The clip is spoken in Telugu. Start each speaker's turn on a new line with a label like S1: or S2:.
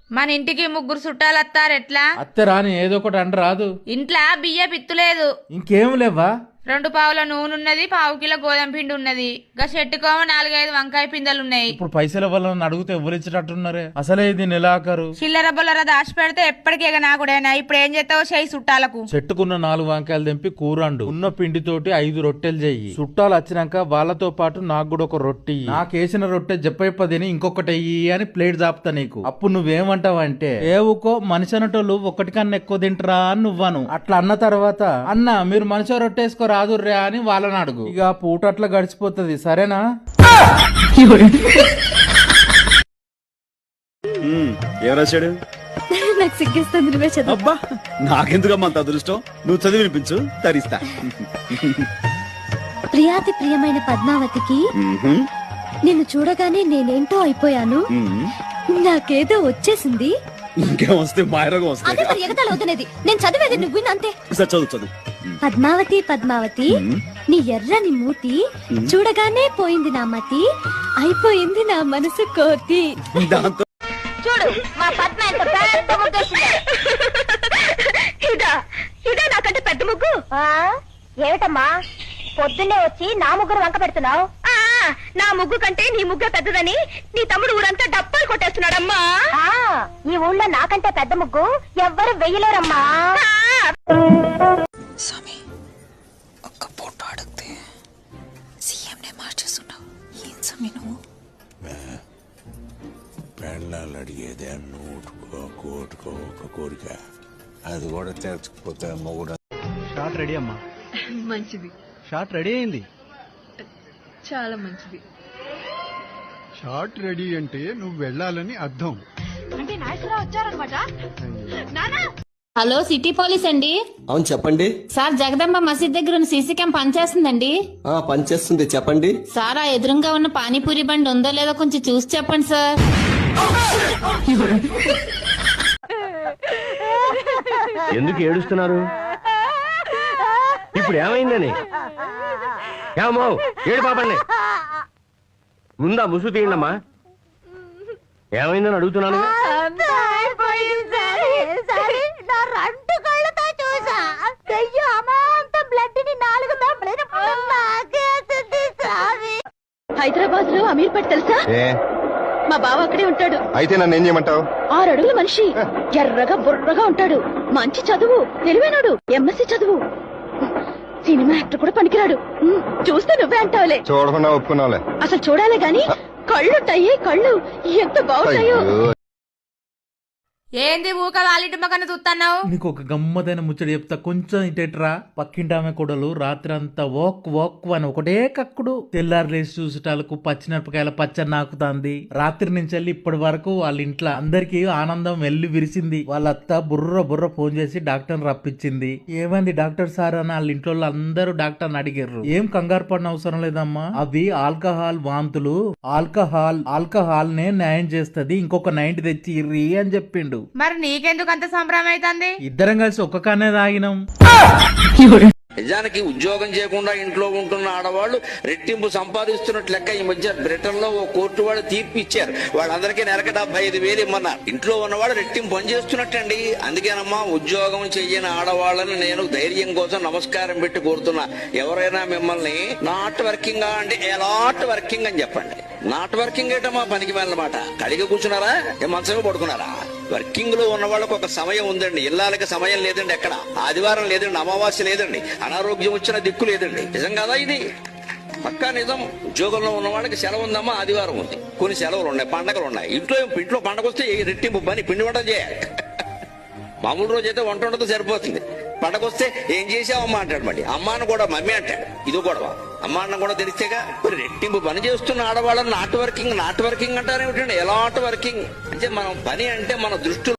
S1: మన ఇంటికి ముగ్గురు చుట్టాలు వస్తారెట్లా?
S2: అత్తే రాని ఏదో ఒకటి అంట రాదు.
S1: ఇంట్లో బియ్య పిత్తులేదు.
S2: ఇంకేం లేవా?
S1: 2 పావుల నూనె ఉన్నది, 1/2 కిలో గోధుమ పిండి ఉన్నది. గా చెట్టుకోమ 4-5 వంకాయ పిందెలు ఉన్నాయి.
S2: ఇప్పుడు పైసల వల్ల అడిగితే ఎవరిచ్చేటట్టున్నారే? అసలే ఇది నెలాఖరు.
S1: చిల్లర బొల్లర దాచి పెడితే ఎప్పటికీ నాకుడేనా? ఇప్పుడు ఏం చేస్తావు? చేయి చుట్టాలకు.
S2: చెట్టుకున్న 4 వంకాయలు తెంపి కూరండు. ఉన్న పిండితోటి 5 రొట్టెలు చెయ్యి. చుట్టాలు వచ్చినాక వాళ్ళతో పాటు నాకు కూడా ఒక రొట్టె. నాకేసిన రొట్టె చెప్ప తిని ఇంకొకటి అయ్యి అని ప్లేట్ దాపుతా నీకు. అప్పుడు నువ్వేమంటావంటే ఏవుకో మనిషి అనటోళ్ళు ఒకటి కన్నా ఎక్కువ తింటరా అని నువ్వను. అట్లా అన్న తర్వాత అన్న మీరు మనిషి రొట్టె రాదుర్రా అని వాళ్ళని అడుగు. ఇక పూట అట్లా గడిచిపోతుంది. సరేనా?
S3: ఏం రాశాడు?
S4: నాకు సిగ్గేస్తుంది, నువ్వే చదువు.
S3: అబ్బా నాకెందుకమ్మా అంత అదృష్టం? నువ్వు చదివి వినిపించు, తరిస్తా.
S4: ప్రియాతి ప్రియమైన పద్మావతికి నిన్ను చూడగానే నేనేంటో అయిపోయాను. నాకేదో వచ్చేసింది.
S3: ఇంకేం వస్తే మాయరోగం వస్తాయి.
S4: అదే మరి ఎగతాళి అవుతున్నది. నేను చదివేది నువ్వు వినంతే.
S3: చదువు చదువు.
S4: పద్మావతి పద్మావతి నీ ఎర్రని మూతి చూడగానే పోయింది నా మతి, అయిపోయింది నా మనసు కోతి.
S3: దాంతో
S4: చూడు మా పద్మ ఎంత పెద్ద ముగ్గు. ఇదా నాకంటే పెద్ద ముగ్గు. ఏమిటమ్మా పొద్దున్నే వచ్చి నా ముగ్గురు వంక పెడుతున్నావు? నా ముగ్గు కంటే నీ ముగ్గు పెద్దదని నీ తమ్ముడు ఊరంతా డప్పాలు కొట్టేస్తున్నాడమ్మా. ఈ ఊళ్ళో నాకంటే పెద్ద ముగ్గు ఎవ్వరు వెయ్యలేరమ్మా.
S5: స్వామి, ఒక్క ఫోటో అడిగితే సీఎంనే మార్చేస్తున్నావు. ఏం స్వామి నువ్వు?
S6: పెళ్ళాలు అడిగేదే నూటుకో కోటుకో ఒక కోరిక, అది కూడా తెరచకపోతే మొగుడు.
S7: షాట్ రెడీ అమ్మా.
S8: మంచిది.
S7: షాట్ రెడీ అయింది.
S8: చాలా మంచిది.
S9: షాట్ రెడీ అంటే నువ్వు వెళ్ళాలని అర్థం.
S4: అంటే నాయకురావు వచ్చారనమాట.
S10: హలో, సిటీ పోలీస్ అండి.
S11: అవును చెప్పండి
S10: సార్, జగదంబ మసీద్ దగ్గర ఉన్న సీసీ క్యామ్ పనిచేస్తుందండి.
S11: పనిచేస్తుంది చెప్పండి
S10: సార్, ఆ ఎదురుగా ఉన్న పానీపూరి బండి ఉందో లేదో కొంచెం చూసి చెప్పండి సార్.
S7: ఎందుకు ఏడుస్తున్నారు? ఇప్పుడు ఏమైందని? ఏమో ఏడు పాపండి. ముందా ముసు తీయండమ్మా. ఏమైందని అడుగుతున్నాను.
S4: హైదరాబాద్ లో అమీర్పేట తెలుసా? మా బావ అక్కడే ఉంటాడు.
S9: అయితే నన్ను ఏం చేయమంటావు?
S4: 6 అడుగుల మనిషి, ఎర్రగా బుర్రగా ఉంటాడు, మంచి చదువు, తెలివైనడు, ఎంఎస్సీ చదువు, సినిమా యాక్టర్ కూడా పనికిరాడు. చూస్తే నువ్వే అంటావులే.
S9: చూడకుండా ఒప్పుకున్నావులే.
S4: అసలు చూడాలే గాని కళ్ళుంటాయి, కళ్ళు ఎంత బాగుంటాయో.
S1: ఏంది ఊక వాళ్ళింటి మకన్న చూస్తున్నావు?
S2: నీకు ఒక గమ్మదైన ముచ్చట చెప్తా, కొంచెం ఇటెట్రా. పక్కింటి ఆమె కొడలు రాత్రి అంతా ఓక్ అని ఒకటే కక్కుడు. తెల్లారు లేచి చూసేటాలకు పచ్చిమిరపకాయల పచ్చడి నాకుతాంది. రాత్రి నుంచి వెళ్ళి ఇప్పటి వరకు వాళ్ళ ఇంట్లో అందరికి ఆనందం వెళ్లి విరిసింది. వాళ్ళ అత్త బుర్ర ఫోన్ చేసి డాక్టర్ రప్పించింది. ఏమైంది డాక్టర్ సార్ అని వాళ్ళ ఇంట్లో అందరూ డాక్టర్ అడిగారు. ఏం కంగారు పడిన అవసరం లేదమ్మా, అవి ఆల్కహాల్ వాంతులు. ఆల్కహాల్ నే న్యాయం చేస్తది, ఇంకొక 90 తెచ్చి ఇర్రి అని చెప్పిండు.
S1: మరి నీకెందుకు అంత సంబరం అవుతుంది?
S2: ఇద్దరం కలిసి ఒక్క కానే తాగినాం.
S12: నిజానికి ఉద్యోగం చేయకుండా ఇంట్లో ఉంటున్న ఆడవాళ్లు రెట్టింపు సంపాదిస్తున్నట్లు లెక్క ఈ మధ్య బ్రిటన్ లో ఓ కోర్టు వాళ్ళు తీర్పు ఇచ్చారు. వాళ్ళందరికీ నెలకు 75,000 ఇమ్మన్నారు. ఇంట్లో ఉన్నవాడు రెట్టింపు పని చేస్తున్నట్టండి. అందుకేనమ్మా ఉద్యోగం చెయ్యని ఆడవాళ్ళని నేను ధైర్యం కోసం నమస్కారం పెట్టి కోరుతున్నా. ఎవరైనా మిమ్మల్ని నాట్ వర్కింగ్ అంటే ఎలాట్ వర్కింగ్ అని చెప్పండి. నాట్ వర్కింగ్ ఏటమ్మా పనికి వెళ్ళమాట. కలిగి కూర్చున్నారా? మంచమే పడుకున్నారా? వర్కింగ్ లో ఉన్న వాళ్ళకి ఒక సమయం ఉందండి. ఇళ్ళకి సమయం లేదండి, ఎక్కడ ఆదివారం లేదండి, అమావాస్య లేదండి, అనారోగ్యం వచ్చిన దిక్కు లేదండి. నిజం కాదా ఇది? పక్కా నిజం. ఉద్యోగంలో ఉన్న వాళ్ళకి సెలవు ఉందమ్మా, ఆదివారం ఉంది, కొన్ని సెలవులు ఉన్నాయి, పండగలు ఉన్నాయి. ఇంట్లో పండగ వస్తే రెట్టింపు పని, పిండి వంట చేయాలి. మామూలు రోజు అయితే వంట ఉండదు, సరిపోతుంది. పండగ వస్తే ఏం చేసావమ్మా అంటాడు. మళ్ళీ అమ్మాను కూడా మమ్మీ అంటాడు. ఇది గొడవ. అమ్మా అన్న కూడా తెలిస్తేగా. మరి రెట్టింపు పని చేస్తున్న ఆడవాళ్ళని నాట్ వర్కింగ్ అంటారేమిటండి? ఎలాంటి వర్కింగ్ అంటే మనం పని అంటే మన దృష్టి